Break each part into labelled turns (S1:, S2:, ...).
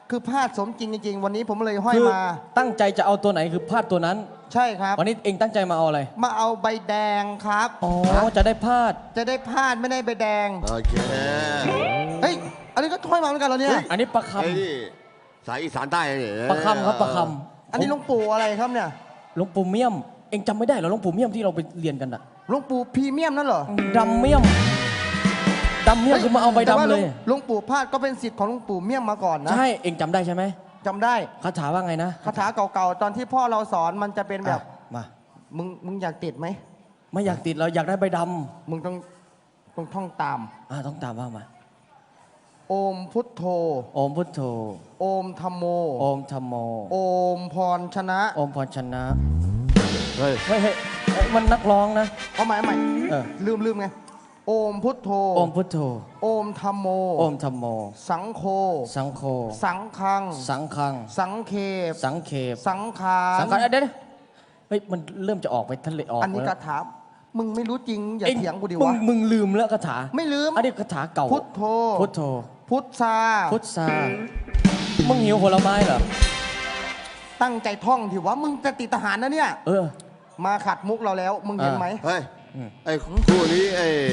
S1: คือพลาดสมจริงจริงวันนี้ผมเลยห้อยมา
S2: ตั้งใจจะเอาตัวไหนคือพลาดตัวนั้น
S1: ใช่ครับ
S2: วันนี้เองตั้งใจมาเอาอะไร
S1: มาเอาใบแดงครับ
S2: อ๋อจะได้พลาด
S1: ไม่ได้ใบแดง
S3: โอเค
S1: เฮ้ยอันนี้ก็ห้อยมาเหมือนกันเหรอเนี่ย
S2: อันนี้ประค
S3: ไอ้นี่สายอีสานใต้เนี่ย
S2: ประคำครับประค
S1: ำอันนี้หลวงปู่อะไรครับเนี่ย
S2: หลวงปู่เมี่ยมเองจำไม่ได้เหรอหลวงปู่เมี่ยมที่เราไปเรียนกันอะ
S1: หลวงปู่พรีเมียมนั่นเหรอ
S2: ดำเมี่ยมคือมาเอาใบดำเลย
S1: หลวงปู่พาดก็เป็นศิษย์ของหลวงปู่เมี่ยมมาก่อนนะ
S2: ใช่เองจำได้ใช่ไหม
S1: จำได้
S2: คาถาว่าไงนะ
S1: คาถาเก่าๆตอนที่พ่อเราสอนมันจะเป็นแบบ
S2: มา
S1: มึงอยากติดไหม
S2: ไม่อยากติดเราอยากได้ใบด
S1: ำมึงต้องท่องตาม
S2: ต้องตามว่ามา
S1: โอมพุทโธ
S2: โอมพุทโธ
S1: โอมธัมโม
S2: โอมธัมโม
S1: โอมพรชนะ
S2: โอมพรชนะเฮ้ยมันนักร้องนะ
S1: เอาใหม่ลืมไงโอมพุทโธ
S2: โอมพุทโธ
S1: โอมธัมโม
S2: โอมธัมโม
S1: สังโฆ
S2: สังโฆ
S1: สังฆัง
S2: สัง
S1: เคป
S2: สังเคป
S1: สังขาร
S2: เดี๋ยวเฮ้ยมันเริ่มจะออกไปทะเลออก
S1: อันนี้คาถามึงไม่รู้จริงอย่าเถียงกูดิวะ
S2: มึงลืมแล้วคาถา
S1: ไม่ลืม
S2: อันนี้คาถาเก่า
S1: พุทโธ
S2: พุทโธ
S1: พุทธา
S2: มึงหิวผลไม้เหรอ
S1: ตั้งใจท่องถือว่ามึงจะติดทหารนะเนี่ยมาขัดมุกเราแล้วมึงเห็นไหม
S3: เฮ้ยไอ้คู่นี้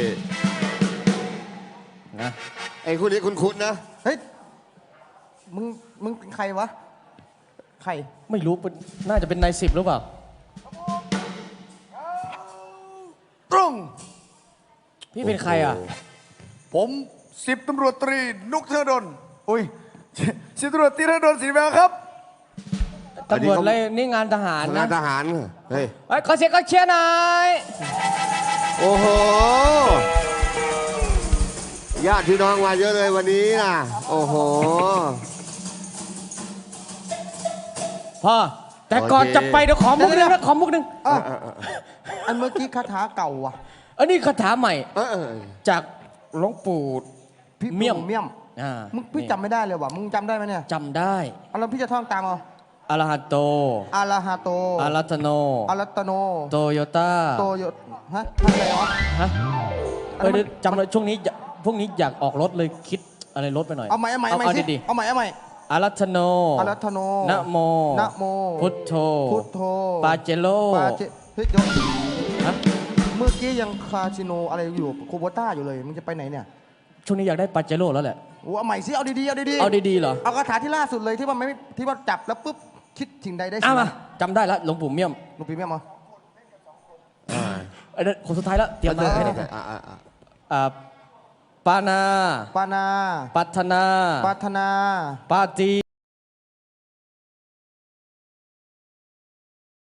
S3: ไอ้คู่นี้คุ้นๆนะ
S1: เฮ้ยมึงเป็นใครวะใคร
S2: ไม่รู้น่าจะเป็นนาย10หรือเปล่า
S1: ตรง
S2: พี่เป็นใครอ่ะ
S4: ผม10 ตำรวจตรีนุกธนดลอุ้ย10 ตำรวจตรีธนดลศรีแววครับ
S2: ตำรวจอะไรนี่งานทหารนะ
S3: งานทหารเฮ้ย
S2: ขอเสียงก็เชียร์หน่อย
S3: โอ้โหญาติพี่น้องมาเยอะเลยวันนี้นะโอ้โห
S2: พ่อแต่ก่อนจะไปเดี๋ยวขอมุกนึงนะขอมุกนึง
S1: อันเมื่อกี้คาถาเก่าอ่ะ
S2: อันนี้คาถาใหม่จากหลวงปู่เมี่ยม
S1: มึงพี่จำไม่ได้เลยว่ะมึงจำได้ไหมเนี่ย
S2: จำได้
S1: แล้วพี่จะท่องตามเอา
S2: อะระหะโต
S1: อะระหะโต
S2: อะรัตโน
S1: อะรัตโน
S2: โตโยต้า
S1: ฮะอะไรวะ
S2: จำเลยช่วงนี้พวกนี้อยากออกรถเลยคิดอะไรรถไปหน่อย
S1: เอาใหม่ดีเอาใหม่
S2: อะรัตโนนะโมพุทโธปาเจโล
S1: เฮ้ยเมื่อกี้ยังคาสิโนอะไรอยู่โคโบต้าอยู่เลยมึงจะไปไหนเนี่ย
S2: ช่วงนี้อยากได้ปาเจโลแล้วแหละ
S1: เอาใหม่สิเอาดีเอา
S2: ดีเหรอ
S1: เอาคาถาที่ล่าสุดเลยที่ว่าจับแล้วปุ๊บคิดสิ่งใดได้สิ่งนั้น
S2: จำได้แล้วหลวงปู่เมี่ยม
S1: มา
S2: คนสุดท้ายแล้วเตรียมเลยให้ได้ปานา
S1: ปั
S2: ฒนา
S1: ปาตี